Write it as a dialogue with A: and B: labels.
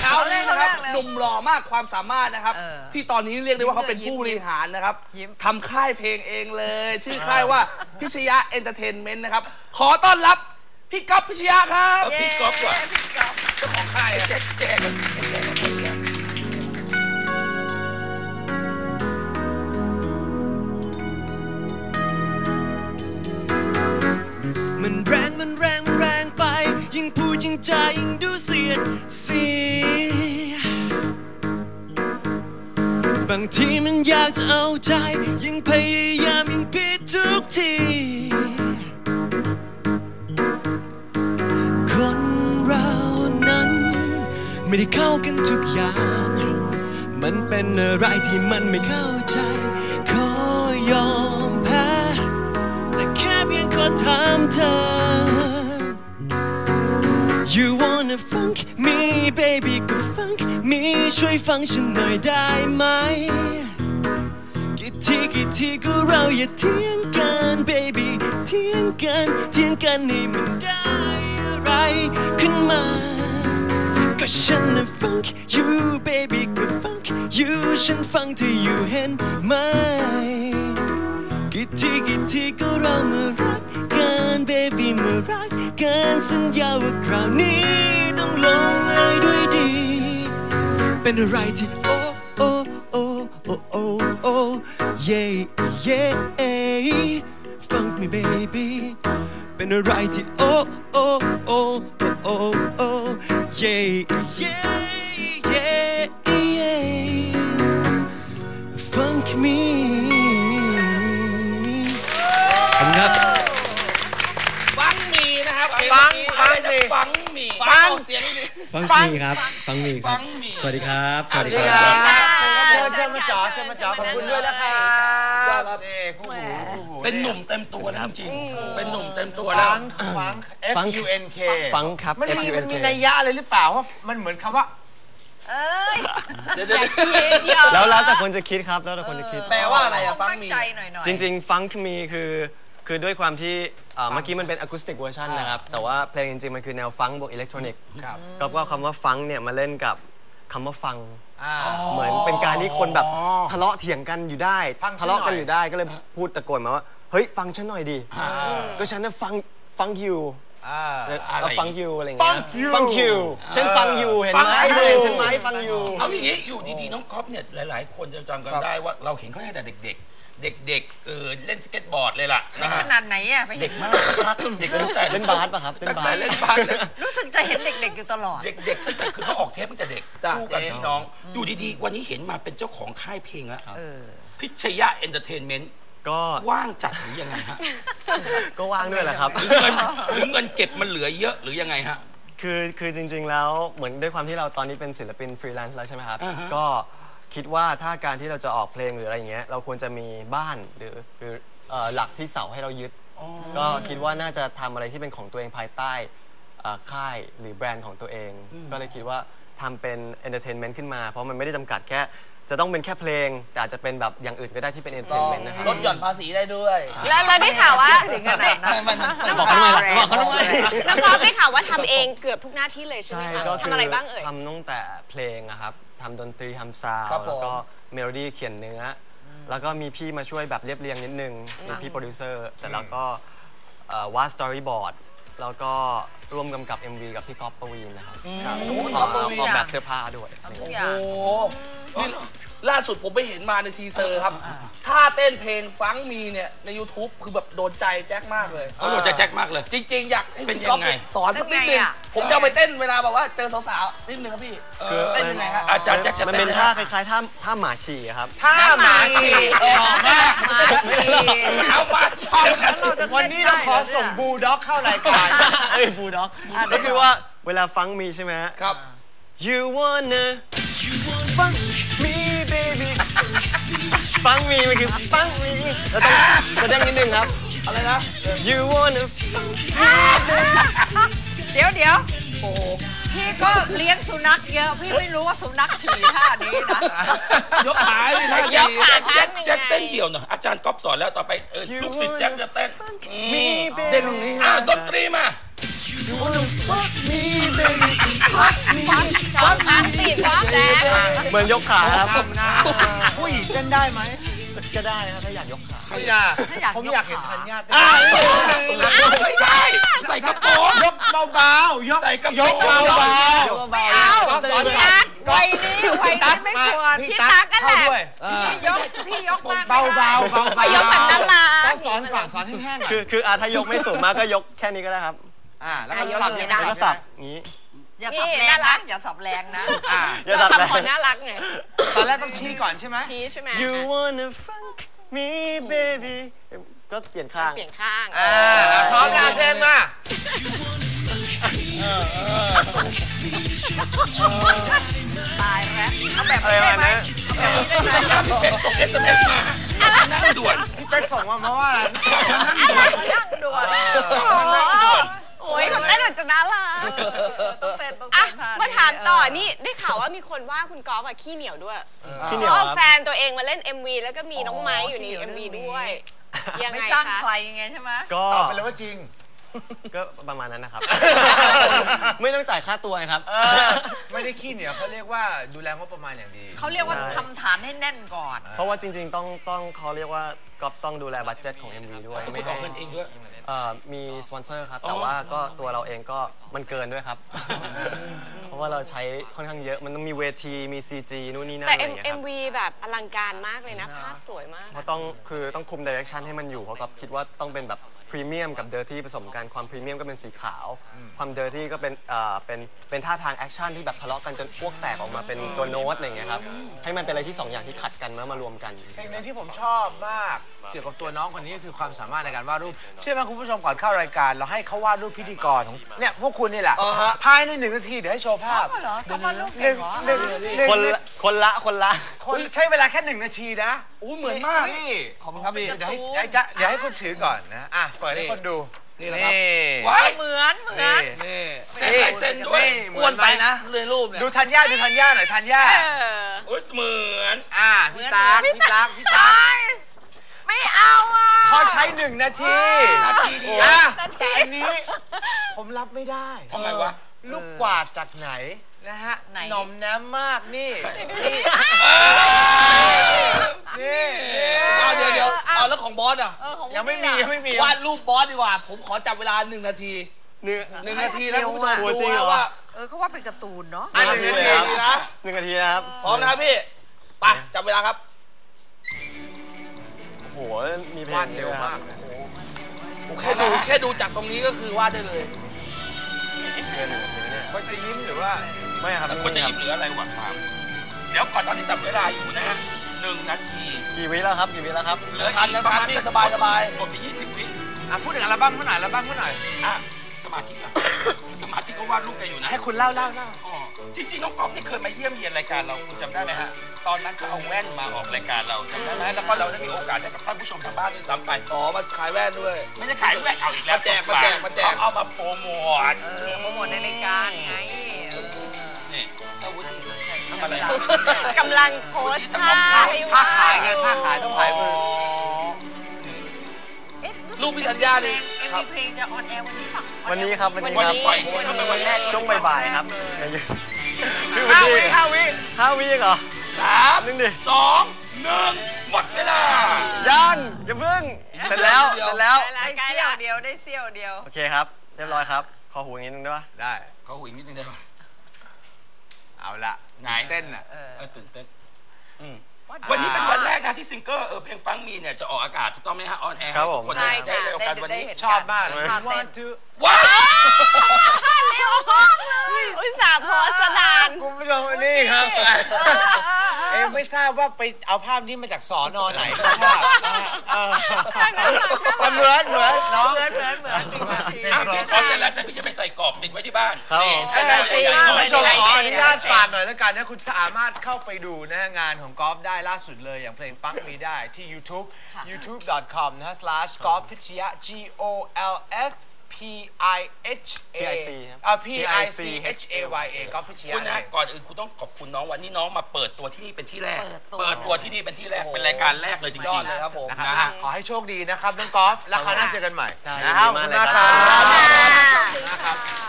A: าวนี่นะครับหนุ่มหล่อมากความสามารถนะครับที่ตอนนี้เรียกได้ว่าเขาเป็นผู้บริหารนะครับทำค่ายเพลงเองเลยชื่อค่ายว่าพิชยะเอนเตอร์เทนเมนต์นะครับขอต้อนรับพี่ก๊อฟพิชยะครับ
B: พี่ก๊อฟก่อน
A: เจ้าของค่ายแจก
C: มันแรงไปยิ่งพูดยิ่งจายิ่งดูเสียดสีบางทีมันอยากจะเอาใจยิ่งพยายามยิ่งผิดทุกทีคนเรานั้นไม่ได้เข้ากันทุกอย่างมันเป็นอะไรที่มันไม่เข้าใจขอยอมแพ้แต่แค่เพียงขอถามเธอ You wanna funk me baby ก็ funk me ช่วยฟังฉันหน่อยได้ไหมกี่ทีก็เราอย่าเถียงกัน baby เถียงกันให้มันได้อะไรขึ้นมาก็ฉันน่ะ funk you baby ก็ funk you ฉันฟังเธออยู่เห็นไหมกี่ทีก็เรามารักกัน baby มารักกันสัญญาว่าคราวนี้ต้องลงเอยด้วยดีเป็นอะไรที่โอ้โอ้โอ้โอ้โอ้โอ้ yeah yeah funk me baby เป็นอะไรที่โอ้โอ้โอ้โอ้โอ้ yeah yeah yeah funk meครับ
A: ฟังมีนะครับ
B: ฟัง
A: เสียงดี
D: ฟังมีครับฟังมีครับสวัสดีครับ
B: เชิญมาจ๋อขอบคุณด้วยนะครับนี่คู่หู
A: เป็นหนุ่มเต็มตัวแล้วจริงเป็นหนุ่มเต็มตัวแล้ว
B: ฟัง FUNK
D: ฟังครับ
B: มันมีนัยยะอะไรหรือเปล่าว่ามันเหมือนคำว่า
A: เดี๋ยว
D: แล้วแต่คนจะคิดครับแล้วแต่คนจะคิด
A: แปลว่าอะไรอะฟังมี
D: จริงๆฟังมีคือด้วยความที่เมื่อกี้มันเป็นอะคูสติกเวอร์ชันนะครับแต่ว่าเพลงจริงๆมันคือแนวฟังบวกอิเล็กทรอนิกส์ก็คำว่าฟังเนี่ยมาเล่นกับคำว่าฟังเหมือนเป็นการที่คนแบบทะเลาะเถียงกันอยู่ได้ทะเลาะกันอยู่ได้ก็เลยพูดตะโกนมาว่าเฮ้ยฟังฉันหน่อยดิก็ฉันน่ะฟังยูฟังยูอะไรเงี้ยฟังยูฉันฟังยูเห็นไหมเห็นฉันไหมฟังยู
A: เอาอย่างนี้อยู่ดีๆน้องก๊อฟเนี่ยหลายๆคนจะจำกันได้ว่าเราเห็นเขาตั้งแต่เด็กเล่นสเก็ตบอร์ดเลยล่ะ
E: ขนาดไหนอ่ะ
A: เด็กมากเด็กตั้งแต่
D: เล่นบาสป่ะครับเล่นบาส
E: รู้สึกจะเห็นเด็กๆอยู่ตลอด
A: เด็กคือเขาออกเทปตั้งแต่เด็กคู่กับพี่น้องอยู่ดีๆวันนี้เห็นมาเป็นเจ้าของค่ายเพลงแล้วพิชยะเอนเตอร์เทนเมนต์
D: ก็
A: ว่างจัดหรือยังไงฮะ
D: ก็ว่างด้วยแหละครับ
A: หรือเงินเก็บมันเหลือเยอะหรือยังไงฮะ
D: คือจริงๆแล้วเหมือนด้วยความที่เราตอนนี้เป็นศิลปินฟรีแลนซ์แล้วใช่ไหมครับก็คิดว่าถ้าการที่เราจะออกเพลงหรืออะไรอย่างเงี้ยเราควรจะมีบ้านหรือหลักที่เสาให้เรายึดก็คิดว่าน่าจะทำอะไรที่เป็นของตัวเองภายใต้ค่ายหรือแบรนด์ของตัวเองก็เลยคิดว่าทำเป็นเอนเตอร์เทนเมนต์ขึ้นมาเพราะมันไม่ได้จำกัดแค่จะต้องเป็นแค่เพลงแต่อาจจะเป็นแบบอย่างอื่นก็ได้ที่เป็นเอนเตอร์เทนเมนต์นะครับ
A: ลดหย่อนภาษีได้ด้วย
E: แล้วได้ข่าวว่าถึงขนาดนั้น
D: บอกเขาทำไมบอกเขาทำไม
E: แล้วก็ได้ข่าวว่าทำเองเกือบทุกหน้าที่เลยใช่ไหมคะทำอะไรบ้างเอ่ย
D: ทำตั้งแต่เพลงอะครับทำดนตรีทำซาวด์แล้วก็เมโลดี้เขียนเนื้อแล้วก็มีพี่มาช่วยแบบเรียบเรียงนิดนึงมีพี่โปรดิวเซอร์แต่แล้วก็วาดสตอรี่บอร์ดแล้วก็ร่วมกำกับ MV กับพี่ก๊อฟปวีณนะครับออกแบบเสื้อผ้าด้วย
A: โอ้โหล่าสุดผมไปเห็นมาในทีเซอร์ครับท่าเต้นเพลงฟังมีเนี่ยใน YouTube คือแบบโดนใจแจ็คมากเลย
B: โดนใจแจ็คมากเลย
A: จริงๆอยากให้พี่ก๊อฟสอนสักนิดนึงผมจะไปเต้นเวลาแบบว่าเจอสาวๆนิดนึงครับพี่เต้นยังไงครับ
B: อาจารย์แจ็คจะ
D: มันเป็นท่าคล้ายๆท่าหมาฉี่ครับ
E: ท่าหมาฉี่
A: เอามาฉี่
B: วันนี้เราขอส่งบูลด็อกเข้ารายการ
D: บูลด็อกก็คือว่าเวลาฟังมีใช่ไหม
A: ครับ
D: You wanna funk me baby ฟังมีมันคือฟังมีเราต้องแสดงนิดนึงครับ
A: อะไรนะ
D: You wanna funk me baby
E: เดี๋ยวโอ้พี่ก็เลี้ยงสุนัขเยอะพี่ไม่รู้ว่าสุนัขฉี่ท่านี้นะ
A: ยกขาเลยนะ
E: ยกขา
A: แจ็คเต้นเดี่ยวหน่อยอาจารย์ก๊อฟสอนแล้วต่อไปลูกศิษย์แจ็คจะเต้นเต้นตรงนี้ดนตรีมา
D: You wanna fuck me baby
E: fuck me 2 ครั้งสิ
D: เหมือนยกขาครับ
B: นะผู้หญิงเต้นได้ไหม
D: ก็ได้ครับถ้าอยากยกขา
B: ไม่ได้ผมอยากเห็นธัญญาเต้น
F: ไม่ได้ ใส่กระโปรง
B: ยกเบาๆยก
F: ใส่กระโป
B: ย
F: รง
B: กเบา
E: ไม่เอาพี่ตั๊กวัยนี้ไม่ควร
B: พี่ตั๊กเข้าด้วย
E: พี่ยกมาก
B: เบาๆเบาๆ
E: พี่ยกแบบนั้นล่ะ
B: ต้องสอนก่อนสอนให้แห้งก่อน
D: คือถ้ายกไม่สูงมากก็ยกแค่นี้ก็ได้ครับ
B: แล้วก็สับยังไง
D: แล้วก็สับอย่างนี้
E: อย่าสับแรงนะอย่าสับแรงนะ
D: อย่าสับแรง
G: ทำคนน่ารักไง
B: ตอนแรกต้องชี้ก่อนใช่ไหม
G: ชี้ใช่ไหม
D: You wanna fuck me baby ก็เปลี่ยนข้าง
G: เปลี่ยนข้าง
B: พร้อมงานเพลงมา
E: ตายแล้วเอาแบบ
D: อะไร
E: นี้ได้
D: วะ
E: ไหม
D: นะ
F: พี่เป็ดส่ง SMS มานั่งด่วน
B: พี่เป๊กส่งมาเพราะว่า
E: นั่งด่วน
G: โอ้ยคนเต้นแบบจะน่ารัก
E: ต้องเต้นต้อง
G: อ่ะ
E: เต้นท่
G: มาถามต่อนี่ได้ข่าวว่ามีคนว่าคุณกอล์ฟอะขี้เหนียวด้วย
D: ขี้เหนียว
G: เอา
D: ครับ
G: แฟนตัวเองมาเล่น MV แล้วก็มีน้องไม้อยู่ใน MV ด้วยยัง
E: ไม่
G: ไง
E: จ้าง
G: คะ
E: ใครยังไงใช่ไหม
D: ก็
B: ตอบไปเลยว่าจริง
D: ก็ประมาณนั้นนะครับ ไม่ต้องจ่ายค่าตัวครับ
B: ไม่ได้ขี้เหนียวเขาเรียกว่าดูแลงบประมาณอย่างดี
E: เขาเรียกว่าทำฐานให้แน่นก่อน
D: เพราะว่าจริงๆต้องเขาเรียกว่าก็ต้องดูแลบัดเจ็ตของ MV ด้วย
F: ไม่
D: ไม่
F: ขอ
D: ให้
F: เงินเองด้วย
D: มีสปอนเซอร์ครับ แต่ว่าก็ตัวเราเองก็มันเกินด้วยครับ เพราะว่าเราใช้ค่อนข้างเยอะมันต้องมีเวทีมี CG นู่นนี่นั่น
G: แต่
D: อะไรอย่างเงี้ยครับ
G: MV แบบอลังการมากเลยนะ ภาพสวยมาก
D: เพราะต้องคุมดิเรกชันให้มันอยู่เพราะกับคิดว่าต้องเป็นแบบพรีเมียมกับเดอร์ตี้ผสมกันความพรีเมียมก็เป็นสีขาว ความเดอร์ตี้ก็เป็นท่าทางแอคชั่นที่แบบทะเลาะกันจนอ้วกแตกออกมาเป็นตัวโน้ตอะไรอย่างเงี้ยครับให้มันเป็นอะไรที่2อย่างที่ขัดกันแล้วมารวมกัน
B: สิ่งหนึ่งที่ผมชอบมากเกี่ยวกับตัวน้องคนนี้ก็คือความสามารถในการวาดรูปเชื่อไหมคุณผู้ชมก่อนเข้ารายการเราให้เขาวาดรูปพิธีกรของเนี่ยพวกคุณนี่แหละภายใน1 นาทีเดี๋ยวให้โชว์ภาพ
E: เหรอเขามาลูก
B: ห
E: เก่
B: นึ่
E: ง
B: ง
E: เหรอ
B: หนึ่ง
D: คนละ
B: คนใช้เวลาแค่1 นาทีนะ
A: อู้เหมือนมาก
B: นี่
A: ขอบคุณครับพี่
B: เดี๋ยวให้คุณถือก่อนนะเปิดให้คนดู
A: นี่แหละครับ
F: ว้าย
E: เหมือน
A: นี่
F: เซ็นลายเซ็นด้วย
A: อ้วนไปนะเลยรูปเนี่ย
B: ดูธัญญาหน่อยธัญญา
F: โอ้ยเหมือน
B: พี่ตั๊ก
E: ไม่เอาอ่ะ
B: เขาใช้1 นาที
F: นาทีเดียว
B: แต่อันนี้ผมรับไม่ได้
F: ทำไมวะ
B: ลูกกวาดจากไหนนะฮะหน่อมแนมมากนี่นี่
A: เอาเดี๋ยวเอาแล้วของบอสอ่ะ
B: ยังไม่มี
A: วาดรูปบอสดีกว่า ผมขอจับเวลา1 นาที1 นาทีแล้วคุณผู้ชม
D: จริงเหรอ
A: ว่า
E: เขาว่าเป็นการ์ตูนเนาะ
B: 1 นาที
A: นะ
D: 1 นาทีนะครับ
A: พร้อมนะครับพี่ไปจับเวลาครับ
D: โอ้โหมีเพล
B: วาด
D: ง
B: เร็วมาก
A: แค่ดูจากตรงนี้ก็คือวาดได้เลย
D: เกิน1 นาทีเนี่ย
B: คนจะยิ้มหรือว่า
D: ไม่ครับ
F: คนจะหยิบเหลืออะไรวะถามเดี๋ยวก่อนตอนนี้จับเวลาอยู่นะฮะ1 นาที
D: กี่วิแล้วครับ
F: เหลือ
A: ทันนะทันพี่สบาย
F: กดไป20 วิ
B: พูดถึงอัลบั้มเมื่อไหร่
F: สมาธิอะสมาธิก็วาดรูปกันอยู่นะ
B: ให้คุณเล่า
F: อ๋อจริงๆน้องก๊อฟนี่เคยมาเยี่ยมเยียนรายการเราคุณจำได้ไหมฮะตอนนั้นเขาเอาแว่นมาออกรายการเราจำได้ไหมแล้วก็เราได้มีโอกาสได้กับท่านผู้ชมทางบ้านด้วยซ้ำไป
A: อ๋อมาขายแว่นด้วย
F: ไม่ได้ขายแว่นเอาอีกแล้ว
A: มาแจก
F: เขาเอามาโปรโมท
E: โปรโมทในรายการไง
F: นี่อาวุธทำอะไร
G: กำลังโพสท่าให้
B: ถ้า
G: ว่า
B: ขายไงถ้าขายต้องขายมือ
A: รูปพี่ธัญญานี่
E: มีเพลงจะออนแอร์วันนี้ป่ะ
D: วันนี้ครับวันนี้
F: วัน
D: ครับ
F: นี้ปล่อยซิงเกิลไปวันแรก
D: ช่วงบ่ายๆครับในยูทูบพี่วันนี้5 วิเหรอ
F: 3
D: นึงดิ
F: 2 1 หมดเวลา
D: ยังอย่าเพิ่งเสร็จแล้ว
E: ได้เสี้ยวเดียวได้เสี้ยวเดียว
D: โอเคครับเรียบร้อยครับขอหูอย่างนี้นึงได้ปะ
B: ได้
F: เขาหุยนิดนึงได้ไหม
B: เอาละ
F: ไง
B: เต้นอ่ะ
F: ตื่นเต้นวันนี้เป็นวันแรกนะที่ซิงเกิลเพลงฟังมีเนี่ยจะออกอากาศถูกต้องไหมฮะออนแอร์
D: ครับผม
F: คนได้โอกาสวันนี้
B: ชอบมากเลย
F: ว้าว
G: เร็วมากเลยอุตส่าห์โพสต์นาน
B: คุณผู้ชมนี่ครับไม่ทราบว่าไปเอาภาพนี้มาจากสอนอไหนภาพเหมือนน้อง
E: เหมือน
F: ขอเสร็จแล้วพี่จะไปใส่กรอบติดไว้ที่บ้าน
D: ครับ
F: ให้ได้ใหญ่ๆ
B: คุณ
F: หน่อย
B: ผู้ชมขออนุญาตฝากหน่อยแล้วกันนะคุณสามารถเข้าไปดูนะงานของกอล์ฟได้ล่าสุดเลยอย่างเพลงปังมีได้ที่ YouTube youtube.com นะ /golf พิชยะ GOLF PICHAYA กอล์ฟพิชยะ
F: คุณนะก่อนอื่นคุณต้องขอบคุณน้องวันนี้น้องมาเปิดตัวที่นี่เป็นที่แรก เปิดตัวที่นี่เป็นที่แรกเป็นรายการแรกเลยจ
A: ยอ
F: ริ
A: ด
F: ง
A: เลยครับผม
B: นะครับ
F: นะฮะ
B: ขอให้โชคดีนะครับน้องกอล์ฟแล้วคราวหน้าเจอกันใหม่
D: ได้
B: นะครับขอบคุณมากครับ
D: ยินดีมากเลยครับ
B: นะครับ